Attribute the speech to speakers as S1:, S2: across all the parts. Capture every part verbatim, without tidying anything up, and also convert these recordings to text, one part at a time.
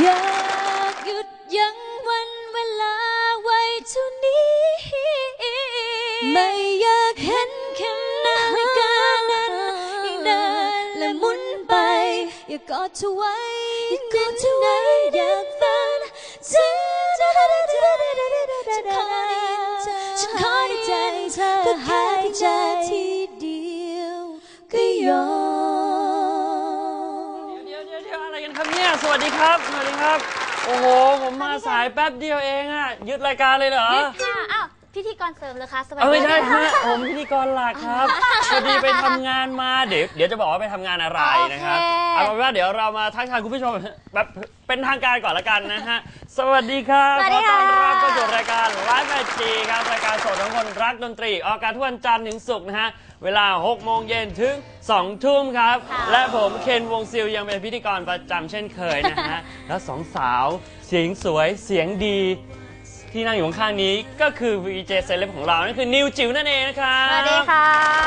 S1: อยากหยุดยั้งวันเวลาไว้เท่านี้ไม่อยากเห็นแค่นาฬิกานั้นยังเดินและหมุนไปอยากกอดเธอไว้กอดเธอไว้อยากฝันฉันขอได้ใจเธอหายใจทีเดียวก็ยอม
S2: เดี๋ยวเดี๋ยวเดี๋ยวอะไรกันครับเนี่ยสวัสดีครับสวัสดีครับโอ้โหผมมาสายแป๊บเดียวเองอะยึดรายการเลยเหรอ
S1: ยึดค่ะอ้าวพิธีกรเสริมเลยคะสวัสดี
S2: ไม่ใช่ฮะผมพิธีกรหลักครับพอดีไปทำงานมาเดี๋ยวเดี๋ยวจะบอกว่าไปทำงานอะไรนะครับเอาเป็นว่าเดี๋ยวเรามาทักทายคุณผู้ชมแบบเป็นทางการก่อนละกันนะฮะสวัสดีครับขอต้อนรับเข้าสู่รายการไลฟ์แมทชีครับรายการสดของคนรักดนตรีออกอากาศทุกวันจันทร์ถึงศุกร์นะฮะเวลาหกโมงเย็นถึงสองทุ่มครับและผมเคนวงซิลยังเป็นพิธีกรประจำเช่นเคยนะฮะแล้วสองสาวเสียงสวยเสียงดีที่นั่งอยู่ข้างๆนี้ก็คือ วี เจ เซเลบของเรานั่นคือนิวจิ๋วนั่นเองนะครับ
S1: สวัสดีค่ะ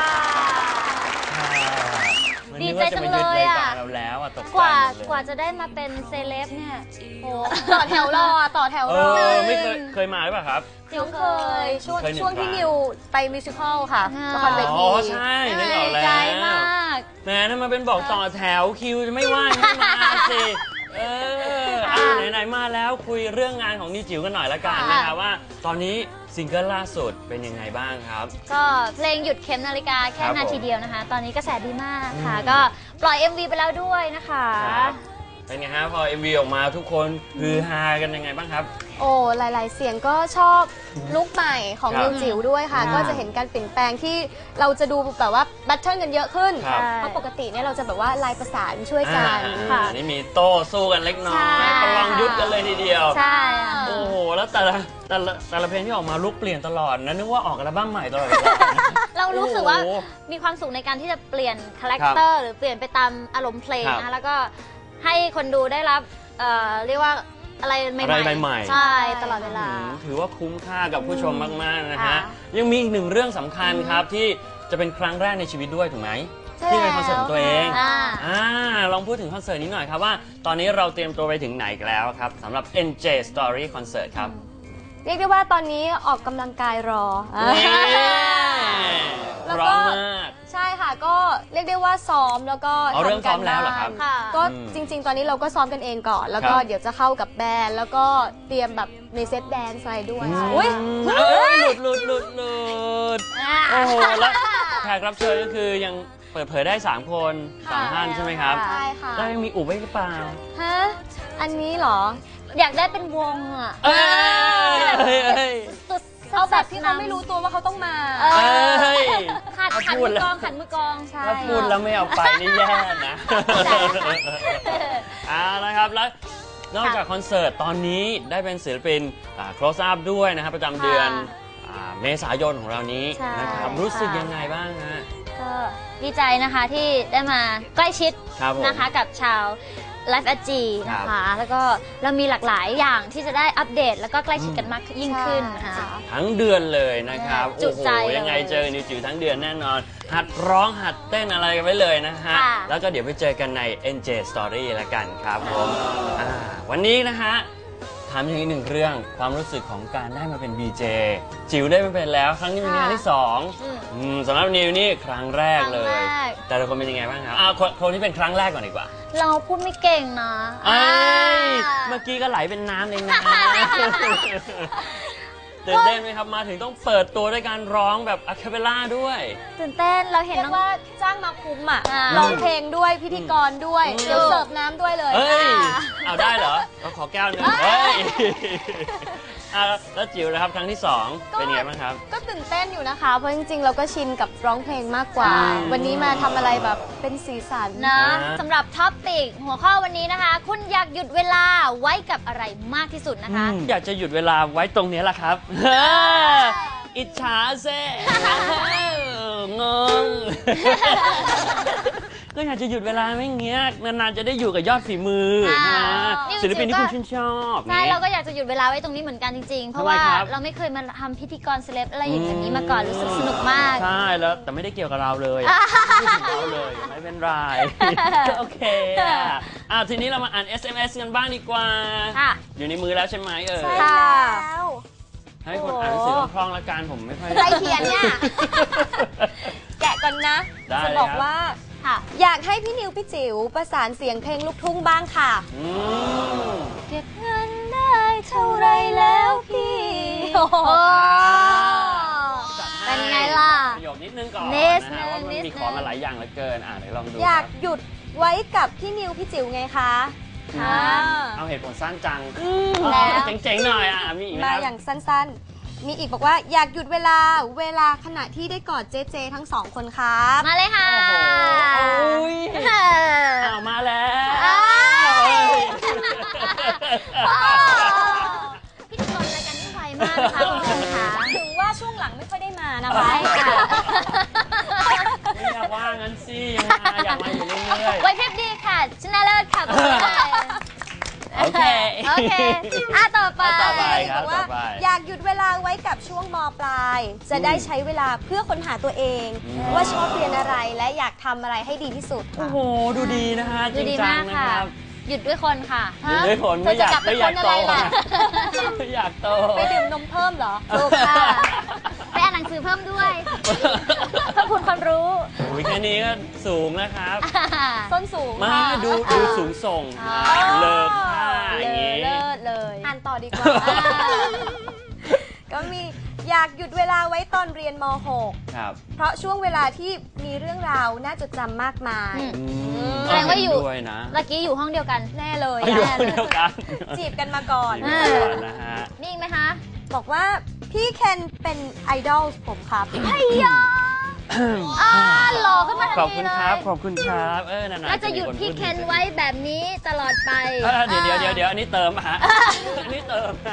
S1: ดีใจจังเลยอ่ะกว่ากว่าจะได้มาเป็นเซเลบเนี่ยโอ้ต่อแถวรอต่อแถวรอ
S2: ไม่เคยเคยมาหรือเปล่าครับ
S3: น้องเคยช่วงช่วงที่นิวไปมิวสิควลค่ะละครเวที
S2: อ๋อใช่นึกออกแล้วแหมถ้ามาเป็นบอกต่อแถวคิวจะไม่ว่างให้มาสิเอออ่าไหนๆมาแล้วคุยเรื่องงานของนิวจิ๋วกันหน่อยละกันนะครับว่าตอนนี้ซิงเกิลล่าสุดเป็นยังไงบ้างครับ
S1: ก็เพลงหยุดเข็มนาฬิกาแค่นาทีเดียวนะคะตอนนี้กระแสดีมากค่ะก็ปล่อย เอ็ม วี ไปแล้วด้วยนะคะ
S2: เป็นไงฮะพอ เอ็ม วี ออกมาทุกคนฮือฮากันยังไงบ้างครับ
S3: โอ้หลายๆเสียงก็ชอบลุคใหม่ของนิวจิ๋วด้วยค่ะก็จะเห็นการเปลี่ยนแปลงที่เราจะดูแบบว่าแบทเทิลกันเยอะขึ้นเพราะปกติเนี่ยเราจะแบบว่าลายประสานช่วยกัน
S2: ค่ะนี่มีโต้สู้กันเล็กน้อยประลองยุทธกันเลยทีเดียว
S1: ใช่
S2: โอ้โหแล้วแต่ละแต่ละแต่ละเพลงที่ออกมาลุคเปลี่ยนตลอดนะนึกว่าออกอัลบั้มใหม่ตลอด
S1: เรารู้สึกว่ามีความสุขในการที่จะเปลี่ยนคาแรคเตอร์หรือเปลี่ยนไปตามอารมณ์เพลงนะแล้วก็ให้คนดูได้รับเรียกว่าอะไรใหม่ๆใช่ตลอดเวลา
S2: ถือว่าคุ้มค่ากับผู้ชมมากๆนะฮะยังมีอีกหนึ่งเรื่องสำคัญครับที่จะเป็นครั้งแรกในชีวิตด้วยถูกไหมที่เป็นคอนเสิร์ตของตัวเองอ่าลองพูดถึงคอนเสิร์ตนี้หน่อยครับว่าตอนนี้เราเตรียมตัวไปถึงไหนแล้วครับสำหรับ เอ็น เจ Story Concert ครับ
S3: เรียกได้ว่าตอนนี้ออกกำลังกายรอ
S2: แล้วก็
S3: ใช่ค่ะก็เรียกได้ว่าซ้อมแล้วก็
S2: ทำกันแล้วเหรอครับ
S3: ก็จริงๆตอนนี้เราก็ซ้อมกันเองก่อนแล้วก็เดี๋ยวจะเข้ากับแบนด์แล้วก็เตรียมแบบในเซตแดนซ์อะไรด้วย
S2: อุ้ยหลุดหลุดหลุดหลุดโอ้โหแล้วแขกรับเชิญก็คือยังเปิดเผยได้สามคนสามท่านใช่ไหมครับ
S3: ใช่ค่ะ
S2: แล้วยังมีอุบไว้หรือเปล่า
S3: ฮะอันนี้เหรอ
S1: อยากได้เป็นวงอ่ะ
S3: เอาแบบที่เขาไม่รู้ตัวว่าเขาต้องมา
S1: ขัดขันมือกองขันมือกองใช่
S2: ถ้าพูดแล้วไม่เอาไปนี่แย่นะอ่านะครับแล้วนอกจากคอนเสิร์ตตอนนี้ได้เป็นศิลปิน close up ด้วยนะครับประจำเดือนเมษายนของเรานี้นะครับรู้สึกยังไงบ้างฮะ
S1: ก็ดีใจนะคะที่ได้มาใกล้ชิดนะคะกับชาวไลฟ์แอดจีนะคะแล้วก็เรามีหลากหลายอย่างที่จะได้อัปเดตแล้วก็ใกล้ชิดกันมากยิ่งขึ้นค่ะ
S2: ทั้งเดือนเลยนะครับโอ้โหยังไงเจอนิวจิ๋วทั้งเดือนแน่นอนหัดร้องหัดเต้นอะไรกันไว้เลยนะฮะแล้วก็เดี๋ยวไปเจอกันใน เอ็น เจ Story ละกันครับผมวันนี้นะฮะถามอย่างอีกหนึ่งเรื่องความรู้สึกของการได้มาเป็น บี เจ จิ๋วได้มาเป็นแล้วครั้งนี้เป็นงานที่สองสำหรับนิวนี่ครั้งแรกเลยแต่ละคนเป็นยังไงบ้างครับคนที่เป็นครั้งแรกก่อนดีกว่า
S1: เราพูดไม่เก่งนะ
S2: เมื่อกี้ก็ไหลเป็นน้ำเลยนะตื่นเต้นไหมครับมาถึงต้องเปิดตัวด้วยการร้องแบบอะคาเปลล่าด้วย
S1: ตื่นเต้นเราเห็น
S3: ว่าจ้างมาคุ้มอ่ะร้องเพลงด้วยพิธีกรด้วยเดี๋ยวเสิร์ฟน้ำด้วยเลย
S2: เฮ้ยเอาได้เหรอเราขอแก้วนึงเฮ้ยแล้วจิ๋วนะครับครั้งที่สองเป็นไงบ้างครับ
S3: ก็ตื่นเต้นอยู่นะคะเพราะจริงๆเราก็ชินกับร้องเพลงมากกว่าวันนี้มาทำอะไรแบบเป็นสีสัน
S1: นะสำหรับท็อปปิกหัวข้อวันนี้นะคะคุณอยากหยุดเวลาไว้กับอะไรมากที่สุดนะคะ
S2: อยากจะหยุดเวลาไว้ตรงนี้แหละครับอิจฉาเซ่งงก็อยากจะหยุดเวลาไม่เงี้ยนานๆจะได้อยู่กับยอดฝีมือ
S1: อ่า
S2: นะ
S1: นิวจิ๋ว
S2: ศิลปินที่คุณชื่นชอบ
S1: ใช่เราก็อยากจะหยุดเวลาไว้ตรงนี้เหมือนกันจริงๆ เพราะว่า
S2: ทำไมครับ
S1: เราไม่เคยมาทำพิธีกรเซเลบอะไรอย่างนี้มาก่อนรู้สึกสนุกมาก
S2: ใช่แล้วแต่ไม่ได้เกี่ยวกับเราเลยไม่ถึงเราเลยไม่เป็นไร โอเคอ่ะอ่ะทีนี้เรามาอ่าน เอส เอ็ม เอส กันบ้างดีกว่า
S1: ค่ะ
S2: อยู่ในมือแล้วใช่ไหมเอ่ย
S3: ใช่
S1: ค่ะ
S3: แล้ว
S2: ให้คนอ่านหนังสือคล่องๆละกันผมไม่ค่อย
S3: ใครเขียนเนี่ย แกะก่อนนะ
S2: ได้
S3: จะ
S2: เลย
S3: บอก
S2: ครับ
S3: ว่า
S1: ค่ะ
S3: อยากให้พี่นิวพี่จิ๋วประสานเสียงเพลงลูกทุ่งบ้างค่ะ
S2: อืม
S1: เก็บเงินได้เท่าไรแล้วพี่
S3: โอ้โห
S1: โอ้
S2: จัดให้
S1: เป็นไงล่ะ
S2: ประโยคนิดนึงก่อน
S1: นิด
S2: นะฮะว่ามัน
S1: นิด
S2: มีของมาหลายอย่างเหลือเกินอ่ะเดี๋ยวลองดู
S3: อยาก
S2: ครับ
S3: หยุดไว้กับพี่นิวพี่จิ๋วไงคะ
S1: ค่ะ
S2: เอาเหตุผลสั้นจัง
S3: อืม
S1: แล้ว
S2: เจ๋งๆหน่อยอ่ะมีอีกไหม
S3: มา
S2: ครับ
S3: อย่างสั้นๆ มีอีกบอกว่าอยากหยุดเวลาเวลาขณะที่ได้กอดเจเจทั้งสองคนครับ
S1: มาเลยค่ะ
S2: โอ้โหโอ้ย
S1: เออ
S2: อ้าวมาแล้ว
S1: อ้าว
S2: เฮ้ย
S1: พิธีกรรายการนี้ไวมากนะคะคุณผู้ชมค่ะ
S3: ถึงว่าช่วงหลังไม่ค่อยได้มานะ
S1: ไว
S3: คะ
S1: ค่ะ
S2: ไม่อยากว่างั้นสิยังมาอยากมาอยู่เรื่อย
S1: ไวพริบดีค่ะชนะเลิศค่ะคุณผู้ชม
S2: โอเค
S1: โอเคอ่ะต่อไป
S2: ต่อไป ครับ
S3: บอกว่า
S2: ต่อไป
S3: อยากหยุดเวลาไว้กับช่วงมปลาย จะได้ใช้เวลาเพื่อค้นหาตัวเอง
S2: อืม
S3: ว่าชอบเรียนอะไรและอยากทำอะไรให้ดีที่สุด
S2: โอ้
S3: ค่ะ
S2: โหดูดีนะฮะจ
S1: ดู
S2: ริง
S1: ดี
S2: จั
S1: มาง ก
S2: นะ
S1: ค่ะ
S2: ครับ
S1: หยุดด้วยคนค่ะ
S2: หยุดด้วยผล
S3: เธ
S2: ไม่
S3: อ
S2: อ
S3: จะ
S2: ยาก
S3: กลับไป
S2: ไม่อยาก
S3: คนอะ
S2: โต
S3: ไรล่ะ
S2: ไม่อยากโต
S3: ไปดื่มนมเพิ่มเหรอ
S1: ถูกค่ะ ไปอ่านหนังสือเพิ่มด้วยเพิ่มพูนความรู้
S2: โอ้ยแค่นี้ก็สูงนะครับ
S3: ส้นสูง
S2: มา
S3: ค่ะ
S2: ดูดูสูงส่ง
S1: อ๋อ
S2: เลิกค่าอ
S1: เล
S2: ย่างงี้
S1: เลิศเลย
S3: อ่านต่อดีกว่า ก็มีอยากหยุดเวลาไว้ตอนเรียนม .หก
S2: ครับ
S3: เพราะช่วงเวลาที่มีเรื่องราวน่าจดจำมากมาย
S1: อืม
S2: อืม
S1: แสดงว่าอยู่
S2: เห็นด้วยนะ
S1: เมื่อกี้อยู่ห้องเดียวกัน
S3: แน่เลย
S2: เอาอยู่
S3: แน่
S2: คน
S3: เล
S2: เดียวย กัน
S3: จีบกันมาก่อน
S2: จีบกันก่อนนะฮะ
S1: มีอีกไหมคะ
S3: บอกว่าพี่เคนเป็นไอดอลผมครับ
S1: ไอ้ยาอ่าหล่อขึ้นมาทัน
S2: ขอบ
S1: ที
S2: คุณ
S1: เล
S2: ครับ
S1: ย
S2: ขอบคุณครับ เออนานๆ
S1: แล้วจะหยุดพี่เคนไว้แบบนี้ตลอดไป
S2: เออเดี๋ยวเดี๋ยวเดี๋ยวเดี๋ยวอันนี้เติมฮะ อันนี้เติมนะ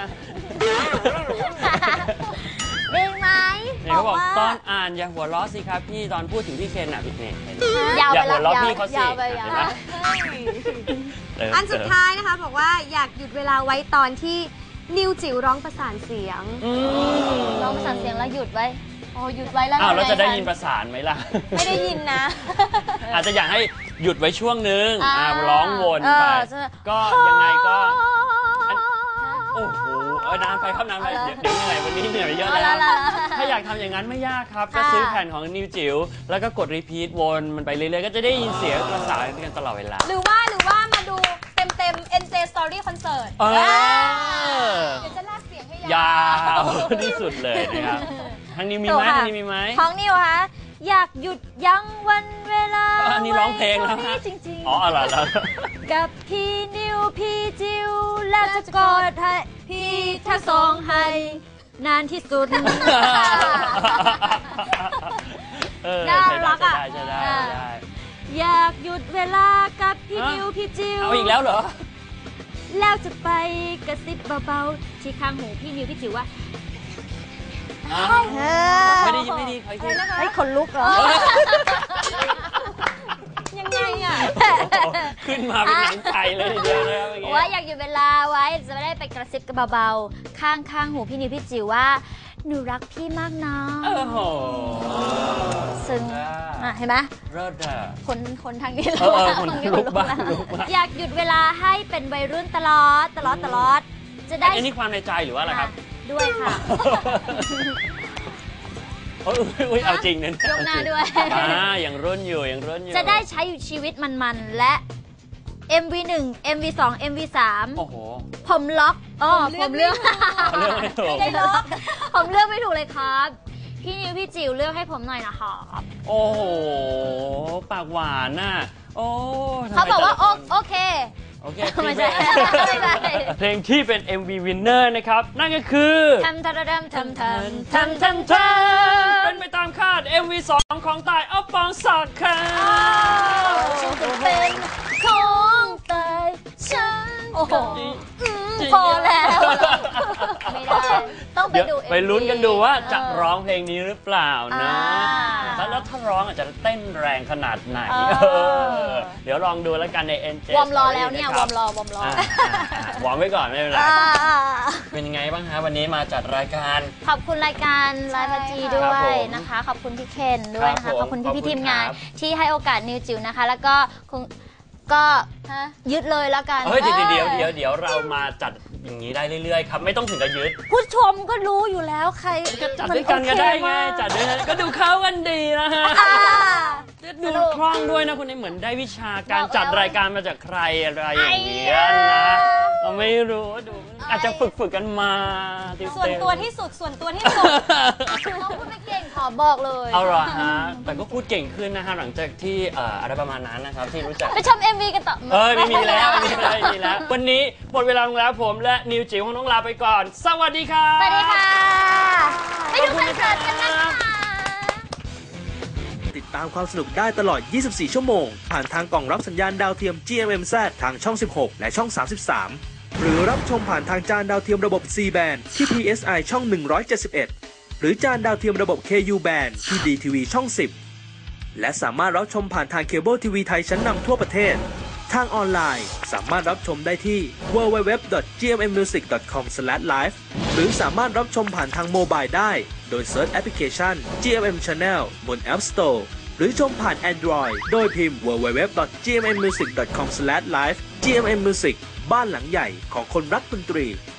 S1: มีอีกไหม
S2: เนี่ยเขาบอก
S3: บอกว่า
S2: ตอนอ่านอย่าหัวเราะสิครับพี่ตอนพูดถึงพี่เคนอ่ะพี่เนี่ยเห็นไหม
S1: ยาว
S2: อย่า
S1: ไป
S2: หัว
S1: แล้
S2: เราะ
S1: ยาว
S2: พี่เขาสิ
S1: ยาวไปยาว
S2: เห็นไหม เติม
S3: อันสุด
S2: เติม
S3: ท้ายนะคะบอกว่าอยากหยุดเวลาไว้ตอนที่นิวจิ๋วร้องประสานเสียง
S2: อืม
S1: ร้องประสานเสียงแล้วหยุดไว้
S3: โอ้หยุดไว้แล้ว
S2: อ้าวเราจะได้
S3: ไง
S2: ยินประสานไหมล่ะ
S3: ไม่ได้ยินนะ
S2: อาจจะอยากให้หยุดไว้ช่วงนึง
S1: อ่า
S2: อ่าร้องวน
S1: เอ
S2: ไป
S1: อจะ
S2: ก็ยังไงก็ อัน โอ้โหเออนานไปครับนานไปเดี๋ยวเดี๋ยวเหนื่อยวันนี้เหนื่อยเยอะ
S1: เอา
S2: แล้
S1: ละ
S2: ว
S1: ละ
S2: ถ้าอยากทำอย่างนั้นไม่ยากครับ
S1: ค่ะ
S2: ก็ซื้อแผ่นของนิวจิ๋วแล้วก็กดรีพีทวนมันไปเรื่อยๆ ก็จะได้ยินเสียงประสานกันตลอดเวลา
S3: หรือว่าหรือว่ามาดูเต็มเต็มๆ เอ็น เจ Story Concert
S2: เออ
S3: เดี๋ยวจะลากเสียงให้
S2: ยาย
S3: าว ว
S2: ที่สุดเลยนะครับทางนี้มี
S1: ถู
S2: ไหม
S1: กค่ะ
S2: ทางนี้มีไหม
S1: ของนิวคะอยากหยุดยั้งวันเวลา
S2: อันนี้ร้องเพลงแล้ว
S1: ไท่า
S2: ฮะ
S1: จริงๆ
S2: อ๋ออะไรแล้ว
S1: กับพี่นิวพี่จิวและจะกอดให้พี่ทั้งสองให้นานที่สุด
S2: เออ
S1: น่า
S2: ใช่
S1: รัก
S2: ได้
S1: อะ
S2: ใช่ได้
S1: อ่า
S2: ใช่ได้
S1: อยากหยุดเวลากับพี่
S2: ฮะ
S1: นิวพี่จิว
S2: เอาอีกแล้วเหรอ
S1: แล้วจะไปกระซิบเบาๆที่ข้างหูพี่นิวพี่จิวว่า
S2: อ้าว
S1: เอ
S2: ไม่ได้ยินไม่ได้ขออีกที
S3: อะไรนะคะ
S1: ไอ้ยขนลุกเหรอ
S3: ยังไงอ่ะ
S2: ขึ้นมาเป็นหนังไก่เลยทีเดียวนะครับเมื่อกี้
S1: ว่าอยากหยุดเวลาไว้จะไม่ได้ไปกระซิบกันเบาๆ ข้างข้างๆหูพี่นิวพี่จิ๋วว่าหนูรักพี่มากนะ
S2: โอ้โห
S1: ซึ่ง
S2: อ่า
S1: อ่ะเห็นไหม
S2: เลิศอ่ะ
S1: คนคนทางนี้
S2: เออเออคน
S1: ทางนี้
S2: ลุกบ้าง
S1: แล้ว
S2: ลุกบ้าง
S1: อยากหยุดเวลาให้เป็นวัยรุ่นตลอดตลอดตลอด จะได้
S2: อันนี้ความในใจหรือว่าอะไรครับ
S1: ด้วยค่ะ
S2: โอ้ยอุ๊ยเอาจริงนะ
S1: ยกหน้าด้วย
S2: อ่ายังรุ่นอยู่ยังรุ่นอยู่
S1: จะได้ใช้ชีวิตมันๆและ เอ็ม วี หนึ่ง เอ็ม วี สอง เอ็ม วี สาม
S2: โอ้โห
S1: ผมล็อกอ๋อ
S3: ผ
S1: ผม ม
S3: เลื
S1: เลื
S3: อ
S1: อก ก
S2: เลือกไม่ถูก
S3: ไม่ได้ล็อก
S1: ผมเลือกไม่ถูกเลยครับ พี่นิวพี่จิ๋วเลือกให้ผมหน่อยนะครับ
S2: โอ้โหปากหวานน่ะโอ้ทำไม
S1: เขาบอกว่า
S2: แต่ละคน
S1: โอเค
S2: โอเค
S1: ไม่ใช่ไม่ใช่
S2: เพลงที่เป็น เอ็ม วี winner นะครับ นั่นก็คือ
S1: ทำทำทำทำทำทำทำท
S2: เป็นไปตามคาด เอ็ม วี สองของตายอัปปองศักดิ์ครับ
S1: ำฉันจะเป็นของตายฉัน
S3: โอ้โห
S1: อืมพอแล้ว ไม่ได้ ต้องไป
S2: เดี๋ยว
S1: ดู
S2: ไปลุ้นกันดูว่าจะ
S1: เออ
S2: ร้องเพลงนี้หรือเปล่านะ
S1: อ่า
S2: แล้วถ้าร้องอาจจะเต้นแรงขนาดไหน
S1: เออ
S2: เออเดี๋ยวลองดูแล้วกันใน เอ็น เจ
S1: วอร์มรอแล้ว
S2: Story
S1: เนี่ย
S2: ะคว
S1: อ
S2: รั
S1: ร์มรอวอร์มรอ
S2: อ่าอ่าอ่าวอร์มไว้ก่อนไม่เป็นไร
S1: อ่า
S2: เป็นยังไงบ้างฮะวันนี้มาจัดรายการ
S1: ขอบคุณรายการไลฟ์พัจีด้
S2: ครั
S1: ว
S2: บผ
S1: ย
S2: ม
S1: นะคะ ขอบคุณพี่เคนด้วยนะ
S2: ครั
S1: คะ
S2: บผม
S1: ขอบคุณ
S2: ขอบ
S1: พี่
S2: คุณ
S1: พี่ทีมงาน
S2: ครับ
S1: ที่ให้โอกาสนิวจิ๋วนะคะ แล้วก็คงก็ยึดเลยแล้วกัน
S2: เฮ้ยเดี๋ยวเดี๋ยวเดี๋ยวเดี๋ยวเรามาจัดอย่างนี้ได้เรื่อยๆครับไม่ต้องถึงกับยึด
S1: ผู้ชมก็รู้อยู่แล้วใคร
S2: ก็จัดด้วยกันก็ได้ไง
S1: มันโอเคมาก
S2: จัดด้วยกันก็ดูเข้ากันดีนะฮะ
S1: อ่า
S2: ดูคล่องด้วยนะคนนี้เหมือนได้วิชาการ
S1: บอกแล้ว
S2: จัดรายการมาจากใครอะไรอย่างเงี้ยนะเราไม่รู้ดูอาจจะฝึกฝึกกันมา
S3: ส่วนตัวที่สุดส่วนตัวที่สุด
S1: น้องพูดไม่เก่งขอบอกเลย
S2: เอาเหรอฮะแต่ก็พูดเก่งขึ้นนะฮะหลังจากที่เอ่ออะไรประมาณนั้นนะครับที่รู้จัก
S1: ไปชม เอ็ม วี กันต่อ
S2: เออไม่มีแล้วไม่มีแล้วไม่มีแล้ววันนี้หมดเวลาลงแล้วผมและนิวจิ๋วของน้องลาไปก่อน สวัสดีครับ
S1: สวัสดีค่ะไปดูคอนเสิร์ตกันนะคะ
S4: ติดตามความสนุกได้ตลอด ยี่สิบสี่ ชั่วโมง ผ่านทางกล่องรับสัญญาณดาวเทียม จี เอ็ม เอ็ม แซด ทางช่อง สิบหก และช่อง สามสิบสาม หรือรับชมผ่านทางจานดาวเทียมระบบ ซี แบนด์ ที่ พี เอส ไอ ช่อง หนึ่งร้อยเจ็ดสิบเอ็ด หรือจานดาวเทียมระบบ เค ยู แบนด์ ที่ ดี ที วี ช่อง สิบ และสามารถรับชมผ่านทางเคเบิลทีวีไทยชั้นนำทั่วประเทศ ทางออนไลน์สามารถรับชมได้ที่ ดับเบิลยู ดับเบิลยู ดับเบิลยู ดอท จี เอ็ม เอ็ม มิวสิก ดอท คอม สแลช ไลฟ์ หรือสามารถรับชมผ่านทางโมบายได้ โดยเซิร์ชแอปพลิเคชัน จี เอ็ม เอ็ม Channel บน App Store หรือชมผ่าน Android โดยพิมพ์ ดับเบิลยู ดับเบิลยู ดับเบิลยู ดอท จี เอ็ม เอ็ม มิวสิก ดอท คอม สแลช ไลฟ์ จี เอ็ม เอ็ม Music บ้านหลังใหญ่ของคนรักดนตรี